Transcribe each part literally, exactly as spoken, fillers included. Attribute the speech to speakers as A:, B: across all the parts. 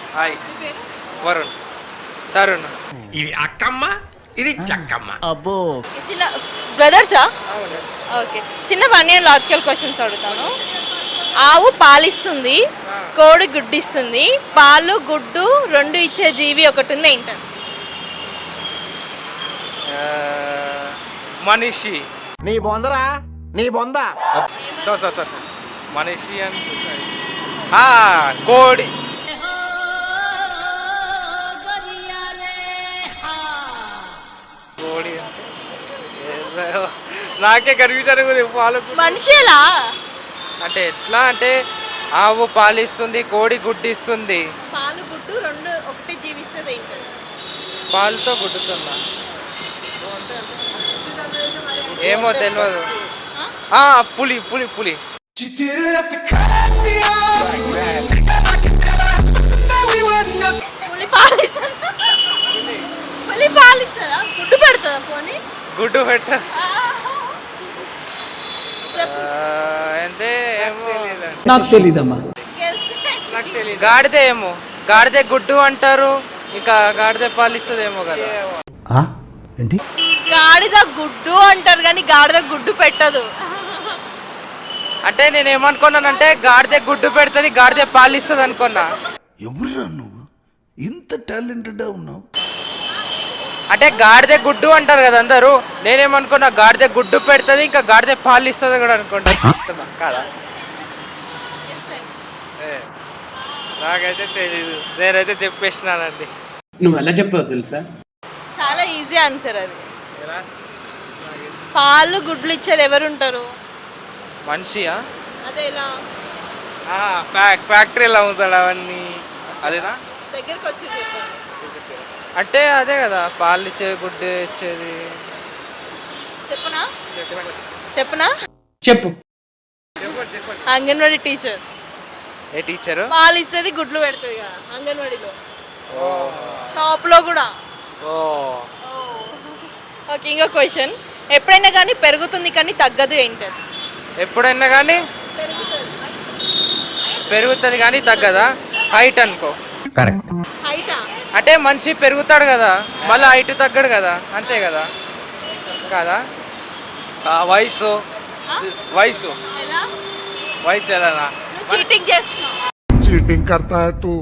A: Hi Varun Tarun.
B: ఇది అక్కమ్మ, ఇది చక్కమ్మ.
C: అబ్బో
D: చిన్న బ్రదర్సా?
A: అవును.
D: ఓకే, చిన్న ఫన్నీ అండ్ లాజికల్ క్వశ్చన్స్ అడుగుతాను. ఆవు పాలిస్తుంది, కోడి గుడ్డు ఇస్తుంది, పాలు గుడ్డు రెండు ఇచ్చే జీవి ఒకటి ఉంది, ఏంటంటే?
A: మనిషి.
B: నీ బొందరా, నీ బొంద.
A: సో సో సో మనిషి అని ఆ, కోడి. కోడి అంటే ఏదో నాకే కన్ఫ్యూజన్ ఉంది. పాలు
D: మనిషిలా
A: అంటే ఎట్లా అంటే ఆవు పాలిస్తుంది, కోడి గుడ్డిస్తుంది.
D: పాలు గుడ్డు రెండు ఒకటి జీవిస్తుంది, ఏంటంటే?
A: పాలుతో గుడ్డుతుందా ఏమో తెలియదు. ఆ, పులి పులి పులి
D: పులి పాలిస్తుందా? పులి పాలిస్తుందా? గుడ్డు పెడుతుందా? పోనీ
A: గుడ్డు పెట్ట
D: చెప్పు.
A: అంటే ఏమో
C: నాకు తెలీదమ్మా.
D: Guess.
A: నాకు తెలియదు. గాడిద ఏమో, గాడిద గుడ్డు అంటారు, ఇంకా గాడిద పాలిస్తుందేమో కదా.
C: ఏంటి
D: గాడిద గుడ్డు అంటారు కానీ గాడిద గుడ్డు పెట్టదు.
A: అంటే నేను ఏమనుకున్నానంటే గాడిద గుడ్డు పెడుతుంది, గాడిద పాలిస్తుంది అనుకున్నా.
E: ఎవరురా నువ్వు ఇంత టాలెంటెడ్ ఉన్నావు?
A: అంటే గాడిద గుడ్డు అంటారు కదా అందరూ, నేనేమనుకున్నా గాడిద గుడ్డు పెడుతుంది ఇంకా గాడిద పాలిస్తుంది కూడా అనుకుంటా కదా. ఏ, నాకైతే తెలీదు, నేనైతే చెప్పేసినానండి.
F: నువ్వు ఎలా చెప్పావు తెలుసా?
D: చాలా ఈజీ ఆన్సర్ అది. పాలు గుడ్లు ఇచ్చేది ఎవరు ఉంటారు?
A: మనిషియా?
D: అదే ఎలా
A: ఫ్యాక్టరీలో అమ్ముతాడు అవన్నీ, అదేనా?
D: దగ్గరికి వచ్చి చెప్పండి.
A: అంటే అదే కదా పాలు ఇచ్చేది, గుడ్డు ఇచ్చేది.
D: చెప్పనా చెప్పనా
F: చెప్పు.
D: అంగన్వాడీ టీచర్.
A: ఏ టీచరు?
D: పాలు ఇస్తుంది, గుడ్లు పెడుతుంది కదా అంగన్వాడీలో, షాప్ లో కూడా.
A: ఓ
D: ఓకే, ఇంకో క్వశ్చన్. ఎప్పుడైనా కానీ పెరుగుతుంది కానీ తగ్గదు, ఏంటది?
A: ఎప్పుడైనా కానీ పెరుగుతుంది కానీ తగ్గదా? హైట్ అనుకో.
F: కరెక్ట్.
D: హైటా?
A: అంటే మనిషి పెరుగుతాడు కదా, మళ్ళీ హైట్ తగ్గడు కదా, అంతే కదా కదా. ఆ, వయసు వయసు
D: ఎలా?
A: వయసు ఎలానా?
D: నువ్వు చీటింగ్ చేస్తున్నావు.
E: చీటింగ్ करता है तू?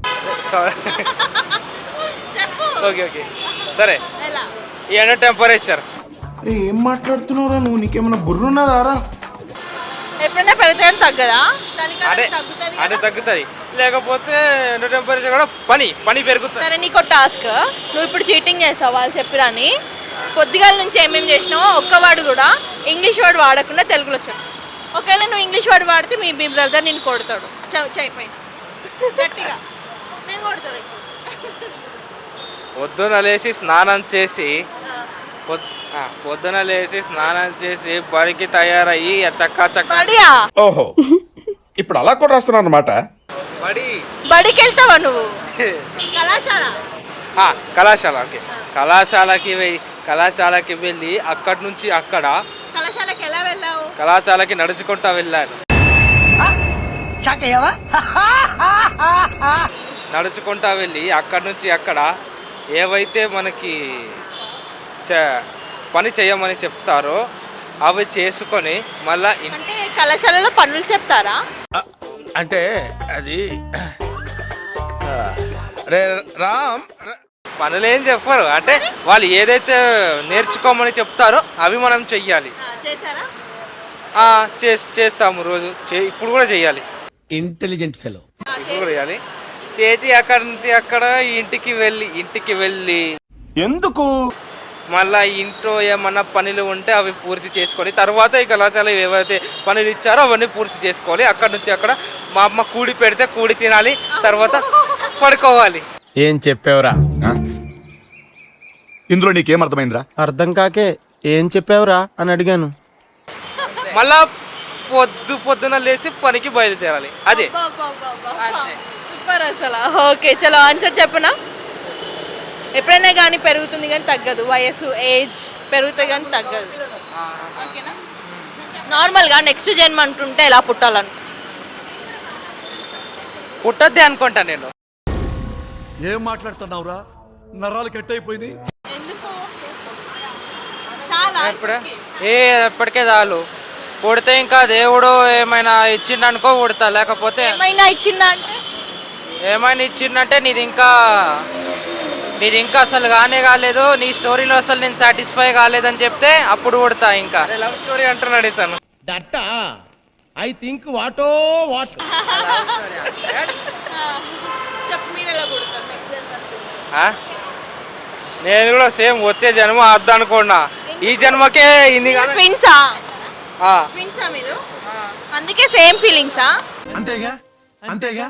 D: చెప్పు.
A: ఓకే ఓకే సరే.
D: ఎలా?
A: ఈ టెంపరేచర్.
E: అరే ఏం మాట్లాడుతున్నావురా నువ్వు? నీకేమైనా బుర్రున్నదారా?
D: ఎప్పుడైనా పెరుగుతుంది తగ్గదా?
A: అదే
D: చలికాలం తగ్గుతుంది
A: అదే
D: కదా?
A: తగ్గుతుంది, లేకపోతే ఎండ టెంపరేచర్ కూడా పని పని పెరుగుతుంది.
D: సరే, నీకు టాస్క్. నువ్వు ఇప్పుడు చీటింగ్ చేస్తావు వాళ్ళు చెప్పిరని. పొద్దుగాల నుంచి ఏమేమి చేసినావో ఒక్క వర్డ్ కూడా ఇంగ్లీష్ వర్డ్ వాడకుండా తెలుగులో చెప్పు. ఒకవేళ నువ్వు ఇంగ్లీష్ వర్డ్ వాడితే మీ మీ బ్రదర్ నిన్ను కొడతాడు. చేయిపోయిన గట్టిగా నేను కొడతాను.
A: పొద్దున లేచి స్నానం చేసి పొద్- ఆ, పొద్దున లేచి స్నానం చేసి బడికి తయారయ్యి చక్కా చక్క
D: బడియా?
E: ఓహో ఇప్పుడు అలా కూడా రాస్తున్నావు అన్నమాట.
A: బడి
D: బడికి వెళ్తావా నువ్వు? కళాశాల.
A: ఆ, కళాశాల. ఓకే, కళాశాలకి వె- కళాశాలకి వెళ్ళి అక్కడి నుంచి అక్కడ
D: కళాశాలకి ఎలా వెళ్ళావు?
A: కళాశాలకి నడుచుకుంటా వెళ్ళాను. నడుచుకుంటా వెళ్ళి అక్కడి నుంచి అక్కడ ఏవైతే మనకి చ- పని చేయమని చెప్తారో అవి చేసుకొని మళ్ళా ఇన్-
D: అంటే కళాశాలలో పనులు చెప్తారా?
E: అంటే అది రే రామ్
A: పనులు ఏం చెప్పరు, అంటే వాళ్ళు ఏదైతే నేర్చుకోమని చెప్తారో అవి మనం చెయ్యాలి.
D: ఆ, చేశారా?
A: ఆ, చేస్- చేస్తాము రోజు, చే- ఇప్పుడు కూడా చెయ్యాలి,
C: ఇంటెలిజెంట్ ఫెలో.
D: ఆ,
A: ఇప్పుడు
D: చేశారా?
A: కూడా చేయాలి. చేతి అక్కడి నుంచి అక్కడ ఇంటికి వెళ్ళి ఇంటికి వెళ్ళి
E: ఎందుకు
A: మళ్ళా ఇంట్లో ఏమన్నా పనులు ఉంటే అవి పూర్తి చేసుకొని తర్వాత ఈ కళాశాల ఏవైతే పనులు ఇచ్చారో అవన్నీ పూర్తి చేసుకోవాలి. అక్కడ నుంచి అక్కడ మా అమ్మ కూడి పెడితే కూడి తినాలి, తర్వాత పడుకోవాలి.
C: ఏం చెప్పావురా?
E: ఇందులో నీకేం అర్థమైందిరా?
C: అర్థం కాకే ఏం చెప్పావురా అని అడిగాను.
A: మళ్ళా పొద్దు పొద్దున లేచి పనికి బయలుదేరాలి, అదే.
D: అబ్బా, అబ్బా, అబ్బా, అబ్బా. సూపర్ అసలు. ఓకే, చలో ఆన్సర్ చెప్పనా? ఎప్పుడైనా కానీ పెరుగుతుంది కానీ తగ్గదు, వయసు ఏజ్ పెరుగుతుంది కానీ తగ్గదు. ఓకేనా? నార్మల్గా నెక్స్ట్ జన్మ అంటుంటే ఎలా పుట్టాలను?
A: పుట్టద్దే అనుకుంటా నేను.
G: ఏం మాట్లాడుతున్నావురా నరాలు కట్ అయిపోయింది.
D: ఎందుకు చాలా
A: ఎప్పుడే ఏ ఎప్పటికే చాలు. పుడితే ఇంకా దేవుడు ఏమైనా ఇచ్చిండనుకో పుడతా, లేకపోతే
D: ఏమైనా ఇచ్చిందా అంటే
A: ఏమైనా ఇచ్చిండంటే నీది ఇంకా నీది ఇంకా అసలు కానే కాలేదు, నీ స్టోరీలో అసలు నేను సాటిస్ఫై కాలేదని చెప్తే అప్పుడు పుడతా. ఇంకా లవ్ స్టోరీ అంటున్నాడు ఇతను.
B: దట్ట ఐ థింక్ వాటో వాట్
D: చెప్పు మీరు ఎలా పుడతారు నెక్స్ట్
A: ఆ? నేను కూడా సేమ్ వచ్చే జన్మ అద్దు అనుకున్నా, ఈ జన్మకే ఇది కాదు.
D: ట్విన్సా
A: ఆ.
D: ట్విన్సా మీరు అందుకే సేమ్ ఫీలింగ్సా
G: అంతేగా అంతేగా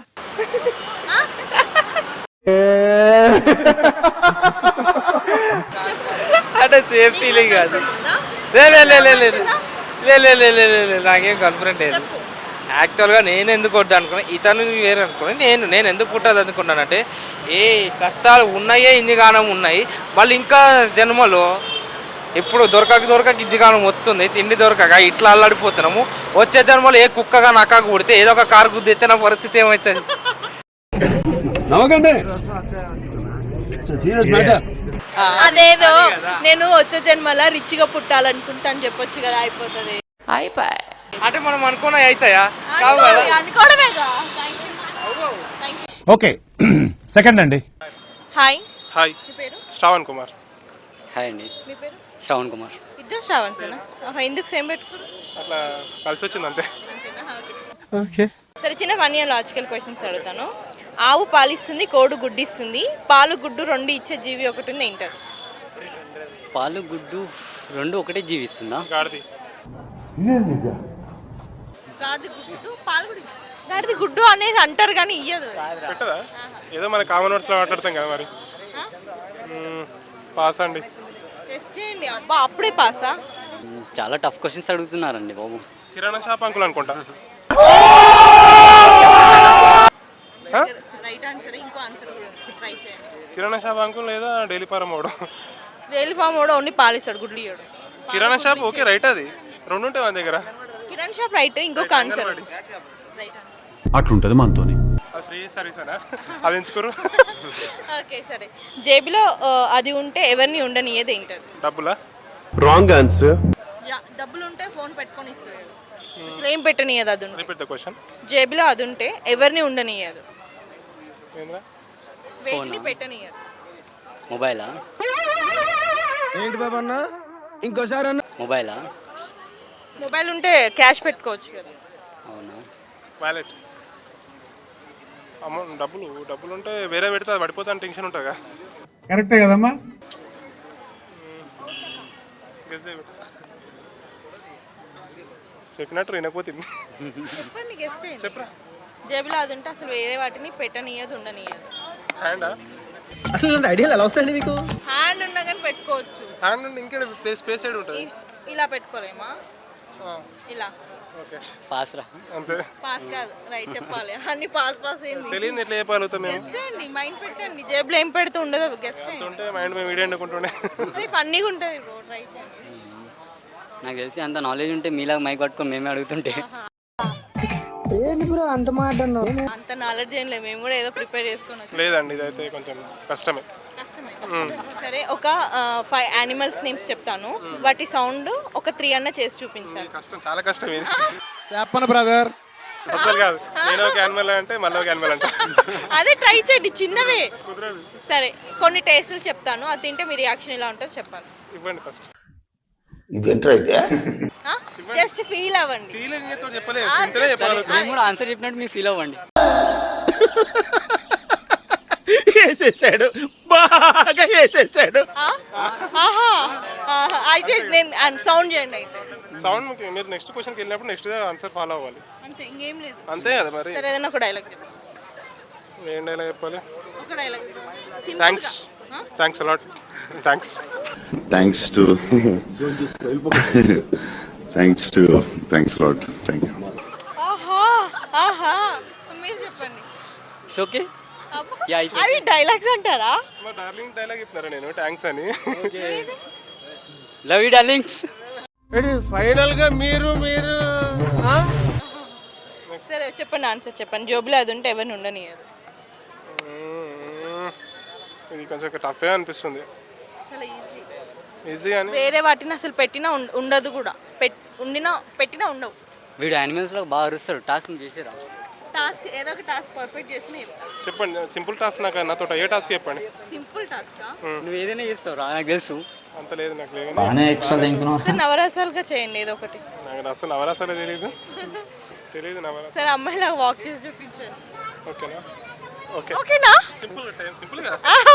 A: అంటే సేమ్ ఫీలింగ్ కాదు. లే లే లే లే లే లే లే లే లే లే లే నాకేం కాన్ఫిడెంట్ లేదు. యాక్చువల్గా నేను ఎందుకు కొట్టు అనుకున్నా, ఇతను వేరే అనుకున్నా. నేను నేను ఎందుకు పుట్టదు అనుకున్నానంటే ఏ కష్టాలు ఉన్నాయే ఇన్ని గానం ఉన్నాయి, మళ్ళీ ఇంకా జన్మలో ఇప్పుడు దొరకక దొరకక ఇన్ని గానం వస్తుంది, తిండి దొరకక ఇట్లా అల్లాడిపోతున్నాము. వచ్చే జన్మలో ఏ కుక్కగా నక్కగా పుడితే ఏదో ఒక కారు గుద్దితే నా పరిస్థితి ఏమవుతుంది?
D: అదేదో నేను వచ్చే జన్మల రిచ్ గా పుట్టాలనుకుంటా అని చెప్పొచ్చు కదా, అయిపోతుంది.
A: అంటే మనం అనుకున్నవి అవుతాయా? కావు కదా.
D: అనుకోవడమేగా.
E: ఓకే సెకండ్ అండి.
D: హాయ్
H: హాయ్,
D: మీ పేరు?
H: శ్రావణ్ కుమార్.
I: హాయ్ అండి,
D: మీ పేరు?
I: శ్రవణ్ కుమార్.
D: ఇద్దరు శ్రావణ్సేనా? ఆహా, ఎందుకు సేమ్ పెట్టుకోరు?
H: అట్లా కలిసి వచ్చింది అంతే.
D: అంతేనా? ఓకే. సరే, చిన్న ఫన్నీ లాజికల్ క్వశ్చన్స్ అడుగుతాను. ఆవు పాలిస్తుంది, కోడు గుడ్డిస్తుంది, పాలు గుడ్డు రెండు ఇచ్చే జీవి ఒకటి ఉంది, ఏంటది?
I: పాలు గుడ్డు రెండు ఒకటే జీవిస్తుందా?
H: గాడిది.
D: గాడిది గుడ్డు, పాలు గుడ్డు. గాడిది గుడ్డు అనేది అంటారు కానీ ఇయ్యదు.
H: పెట్టదా? ఏదో మన కామన్ వర్డ్స్ లో మాట్లాడతాం కదా మరి. మ్మ్, పాస్ అండి.
D: టెస్ట్ చేయండి. అబ్బా, అప్పుడే పాసా?
I: మ్, చాలా టఫ్ క్వశ్చన్స్ అడుగుతున్నారండి బాబు.
H: కిరాణా షాప్ అంకుల్ అనుకుంటా.
D: Right answer. ఇంకో ఆన్సర్ కూడా ఉంది, ట్రై చేయండి.
H: కిరాణా షాప్ అంకుల్ లేదా డైలీ ఫారం వాడు.
D: డైలీ ఫామ్ కూడా ఓన్లీ పాలిస్తాడు, గుడ్లు ఇయ్యడు.
H: కిరాణా షాప్ ఓకే రైట్, అది రెండు ఉంటాయి మన దగ్గర.
D: Kiran shop right. ఇంకొక ఆన్సర్ రైట్.
G: అట్లుంటది మనతోని.
H: అది ఫ్రీ సర్వీస్ అనా? అది ఎంచుకోరు.
D: ఓకే, సరే. జేబులో ఆ, అది ఉంటే ఎవరిని ఉండనియదు, ఏంటది?
H: డబ్బులా?
B: Wrong answer.
D: యా, డబ్బులు ఉంటే ఫోన్ పెట్టుకొని ఇస్తుంది కదా. అసలు ఏం పెట్టనియదు అది ఉంటే.
H: Repeat the question.
D: జేబులో అది ఉంటే ఎవరిని ఉండనియదు,
H: ఏంద్రా?
D: వేటిని పెట్టనియదు.
I: మొబైలా?
B: ఏంటి బాబా అన్న ఇంకోసారి అన్న.
I: మొబైలా?
D: మొబైల్ ఉంటే క్యాష్ పెట్టుకోవచ్చు కదా.
I: అవునా?
H: వ్యాలెట్. అమౌంట్ డబ్బులు డబ్బులు ఉంటే వేరే పెడితే అది పడిపోతాను టెన్షన్ ఉంటుందిగా.
F: కరెక్టే కదమ్మా?
H: గెస్ చేయి. చెప్పినట్టు వినకపోతుంది.
D: చెప్పండి, గెస్ చేయండి.
H: చెప్పరా.
D: జేబులో అది ఉంటే అసలు వేరే వాటిని పెట్టనియదు, ఉండనియదు.
H: హ్యాండా?
B: అసలు ఇలాంటి ఐడియాలు ఎలా వస్తాయండి మీకు?
D: హ్యాండ్ ఉన్నా కానీ పెట్టుకోవచ్చు.
H: హ్యాండ్ నుండి ఇంకే ప్లేస్ స్పేస్ సైడ్ ఉంటుంది.
D: ఇ- ఇలా పెట్టుకోలేమా? ఇలా.
H: ఓకే,
I: పాస్ రా.
H: అంతే.
D: పాస్ కాదు, రైట్ చెప్పాలి. అన్ని పాస్ పాస్ ఏంది?
H: తెలియదు ఎట్లా చెప్పగలుగుతాం మేము.
D: గెస్ట్ చేయండి, మైండ్ పెట్టండి. జేబులో ఏం పెడితే ఉండదు, గెస్ట్ చేయండి.
H: ఉంటే మైండ్ మేము వీడియో అనుకుంటుండే.
D: అది ఫన్నీగా ఉంటుంది బ్రో, ట్రై చేయండి.
I: నాకు తెలిసి అంత నాలెడ్జ్ ఉంటే మీలాగా మైక్ పట్టుకొని మేమే అడుగుతుంటే.
D: అంత నాలెడ్జ్ ఏం లేదు, మేము కూడా ఏదో ప్రిపేర్ చేసుకొని వచ్చాం.
H: లేదండి, ఇదైతే కొంచెం కష్టమే.
D: కష్టమే. సరే, ఒక ఫైవ్ యానిమల్స్ నేమ్స్ చెప్తాను, వాటి సౌండ్ ఒక త్రీ అన్న చేసి చూపించాలి.
H: కష్టం, చాలా కష్టం ఇది.
C: చెప్పను బ్రదర్.
H: అసలు కాదు, నేను ఒక యానిమల్ అంటే మళ్ళీ ఒక యానిమల్ అంట.
D: అదే ట్రై చేయండి, చిన్నవే.
H: కుదరదు.
D: సరే, కొన్ని టేస్టులు చెప్తాను, అది తింటే మీ రియాక్షన్ ఎలా ఉంటుందో చెప్పాలి.
H: ఇవ్వండి ఫస్ట్.
D: జస్ట్ ఫీల్ అవ్వండి.
H: ఫీలింగ్ అయితే చెప్పలేదు, ఇంతనే చెప్పగలుగుతాం.
I: మేము కూడా ఆన్సర్ చెప్పినట్టు మీరు ఫీల్ అవ్వండి.
C: వేసేసాడు, బాగా వేసేసాడు.
D: ఆ? ఆహా, ఆహా. అయితే నేను సౌండ్ చేయండి అయితే.
H: సౌండ్ మీకు మీరు నెక్స్ట్ క్వశ్చన్కి వెళ్ళినప్పుడు నెక్స్ట్ ఆన్సర్ ఫాలో అవ్వాలి.
D: అంతే, ఇంకేం లేదు.
H: అంతే కదా మరి.
D: సరే, ఏదైనా ఒక డైలాగ్ చెప్పండి.
H: ఏం డైలాగ్ చెప్పాలి?
D: ఒక dialogue.
H: Thanks thanks a lot. Thanks
J: Thanks to thanks to thanks a lot. Thank you.
D: ఆహా, ఆహా. మీరు చెప్పండి.
I: It's okay.
D: అబ్బా.
I: యా, it's
D: అవి డైలాగ్స్ అంటారా?
H: మా డార్లింగ్ డైలాగ్ చెప్తున్నారా నేను థ్యాంక్స్ అని?
I: Love you darlings.
C: ఫైనల్ గా మీరు మీరు
D: సరే, చెప్పండి ఆన్సర్ చెప్పండి. జోబులో అది ఉంటే ఎవరిని ఉండనియదు.
H: ఇది కొంచెం టఫే అనిపిస్తుంది.
D: చాలా ఈజీ.
H: ఈజీ అని
D: వేరే వాటిని అసలు పెట్టినా ఉం- ఉండదు కూడా. పెట్ ఉండినా పెట్టినా ఉండవు.
I: వీడు యానిమల్స్లో బాగా అరుస్తాడు. టాస్క్ చేసిరా
D: టాస్క్ ఏదో ఒక టాస్క్ పర్ఫెక్ట్ చేసిన చెప్తా.
H: చెప్పండి. సింపుల్ టాస్క్ నాకు నాతో ఏ టాస్క్ చెప్పండి.
D: సింపుల్ టాస్కా?
I: నువ్వు ఏదైనా చేస్తావు రా, నాకు తెలుసు.
H: అంత లేదు నాకు లేదు.
D: సరే నవరసాలుగా చేయండి ఏదో ఒకటి.
H: నాకు అసలు నవరాసాలే తెలియదు తెలియదు నవరాస.
D: సరే అమ్మాయిలాగా వాక్ చేసి చూపించాను.
H: ఓకేనా? ఓకే
D: ఓకేనా?
H: సింపుల్ టైం సింపుల్గా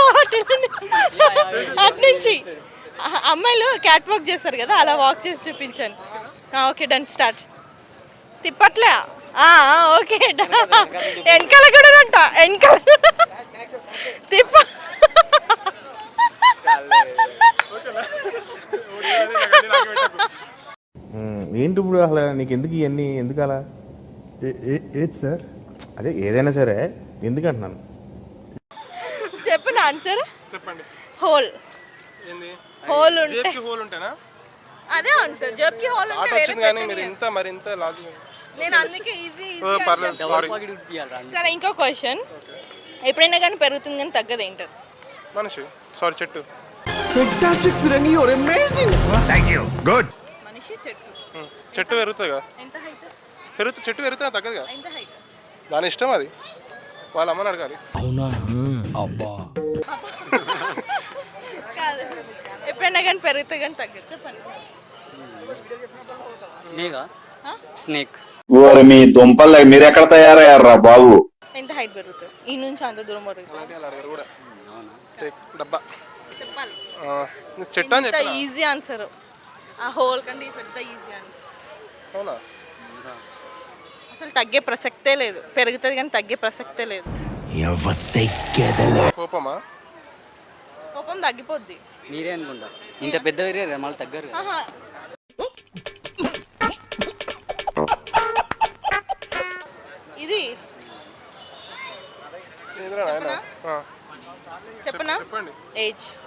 D: అటు నుంచి ఆ, అమ్మాయిలు క్యాట్ వాక్ చేస్తారు కదా, అలా వాక్ చేసి చూపించాను. ఆ, ఓకే డన్. స్టార్ట్. తిప్పట్లే. ఆ, ఆ, ఓకే డన్. వెనకాల కూడా అంట. వెనకాల తిప్ప.
C: ఏంటి ఇప్పుడు అసలు నీకు ఎందుకు ఇవన్నీ ఎందుకు అలా ఏది సార్ అదే ఏదైనా సరే ఎందుకు అంటున్నాను
D: చెప్పిన ఆన్సర్
H: చెప్పండి.
D: హోల్.
H: ఏంది?
D: హోల్ ఉంటే
H: జేబుకి హోల్ ఉంటానా?
D: అదే ఆన్సర్. జబ్కి హోల్
H: ఆట
D: ఉంటే వేరే
H: వచ్చింది కానీ మీరు
D: పెట్టండి.
H: ఇంత మరి ఇంత లాజిక్.
D: నేను అందుకే ఈజీ
H: ఓ, పర్లేదు సారీ.
I: పాకెట్ ఉడిపియాలి రా.
D: సరే ఇంకో క్వశ్చన్. ఎప్పుడైనా కానీ పెరుగుతుంది కానీ తగ్గదు ఏంటది?
H: మనిషి సారీ చెట్టు.
C: ఫెంటాస్టిక్ ఫిరంగి యువర్ అమేజింగ్
G: గుడ్.
D: మనిషి చెట్టు.
H: ఉం. చెట్టు పెరుగుతుంది కదా,
D: ఎంత హైట్?
H: పెరుగుతూ చెట్టు పెరుగుతుంది తగ్గదు కదా,
D: ఎంత హైట్?
H: దాని ఇష్టం అది. వాళ్ళ అమ్మని అడగాలి.
D: కాదు. ఎప్పుడైనా కానీ పెరుగుతుంది కానీ తగ్గదు. చెప్పండి.
I: స్నేకా
D: ఆ?
I: స్నేక్.
J: ఓరి మీ దుంపలు మీరు ఎక్కడ తయారయ్యారా బాబు?
D: ఎంత హైట్ పెరుగుతుంది? ఈ నుంచి అంత దూరం పెరుగుతుంది.
H: అలాంటి వాళ్ళు అడగారు కూడా. చెక్ డబ్బా.
D: చెప్పాలి.
H: ఆ, నేను చెట్టు అని
D: ఎంత
H: చెప్పిన.
D: Easy answer. ఆ హోల్ కంటే ఈ పెద్ద ఈజీ ఆన్సర్.
H: అవునా?
D: అసలు తగ్గే ప్రసక్తే లేదు. పెరుగుతుంది కానీ తగ్గే ప్రసక్తే లేదు.
H: కోపమా?
D: కోపం తగ్గిపోద్ది.
I: మీరే అనుకుంటా. ఇంత పెద్ద వేరే మళ్ళీ తగ్గరు కదా.
D: ఆహా. ఇది
H: ఎదురా నాయన. ఆ,
D: చెప్పనా?
H: చెప్పండి.
D: ఏజ్.